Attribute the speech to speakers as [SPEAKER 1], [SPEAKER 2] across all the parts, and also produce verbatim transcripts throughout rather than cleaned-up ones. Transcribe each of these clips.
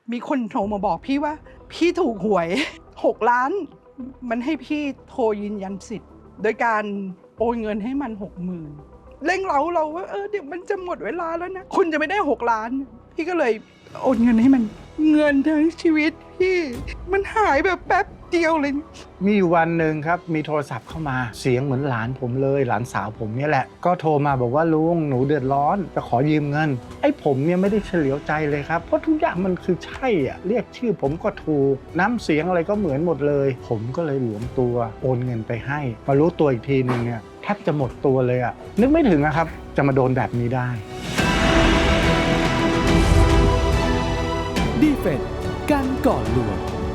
[SPEAKER 1] มีคนโทรมาบอกพี่ว่าพี่ถูกหวยหกล้านมันให้พี่โทรยืนยันสิทธิ์โดยการโอนเงินให้มันหกหมื่นเร่งเร้าเราว่าเออเดี๋ยวมันจะหมดเวลาแล้วนะคุณจะไม่ได้หกล้านพี่ก็เลยโอนเงินให้มันเงินทั้งชีวิตพี่มันหายแบบแป๊บเดียวเลย
[SPEAKER 2] มีอยู่วันหนึ่งครับมีโทรศัพท์เข้ามาเสียงเหมือนหลานผมเลยหลานสาวผมเนี่ยแหละก็โทรมาบอกว่าลุงหนูเดือดร้อนจะขอยืมเงินไอ้ผมเนี่ยไม่ได้เฉลียวใจเลยครับเพราะทุกอย่างมันคือใช่อ่ะเรียกชื่อผมก็ถูกน้ำเสียงอะไรก็เหมือนหมดเลยผมก็เลยหลวมตัวโอนเงินไปให้มารู้ตัวอีกทีนึงเนี่ยแทบจะหมดตัวเลยอ่ะนึกไม่ถึงนะครับจะมาโดนแบบนี้ได้
[SPEAKER 3] ดีเฟนกันก่อนลวง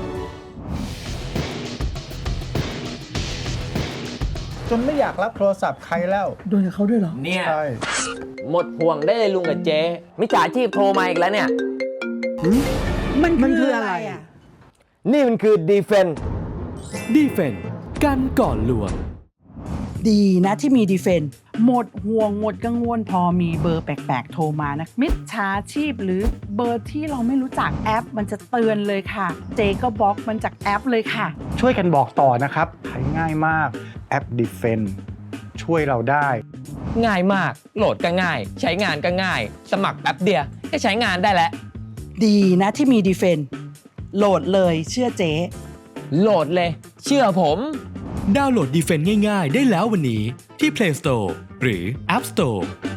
[SPEAKER 2] จนไม่อยากรับโทรศัพท์ใครแล้ว
[SPEAKER 1] โดนกับเขาด้วยเหรอ
[SPEAKER 4] เนี่ย
[SPEAKER 2] ใช่
[SPEAKER 4] หมดห่วงได้เลยลุงกับเจ๊มิจฉาชีพโทรมาอีกแล้วเนี่ย
[SPEAKER 1] มันมันคืออะไรอ่ะ
[SPEAKER 4] นี่มันคือดีเฟน
[SPEAKER 3] ดีเฟนกันก่อนลวง
[SPEAKER 1] ดีนะที่มีดีเฟนหมดห่วงหมดกังวลพอมีเบอร์แปลกๆโทรมานะมิจฉาชีพหรือเบอร์ที่เราไม่รู้จักแอปมันจะเตือนเลยค่ะเจก็บล็อกมันจากแอปเลยค่ะ
[SPEAKER 2] ช่วยกันบอกต่อนะครับใช้ง่ายมากแอป Defend ช่วยเราได้
[SPEAKER 4] ง่ายมากโหลดก็ง่ายใช้งานก็ง่ายสมัครแป๊บเดียวก็ใช้งานได้แล้ว
[SPEAKER 1] ดีนะที่มีดีเฟนโหลดเลยเชื่อเจ๊
[SPEAKER 4] โหลดเลยเชื่อผม
[SPEAKER 3] ดาวน์โหลดดีเฟนง่ายๆได้แล้ววันนี้ที่ Play Store หรือ App Store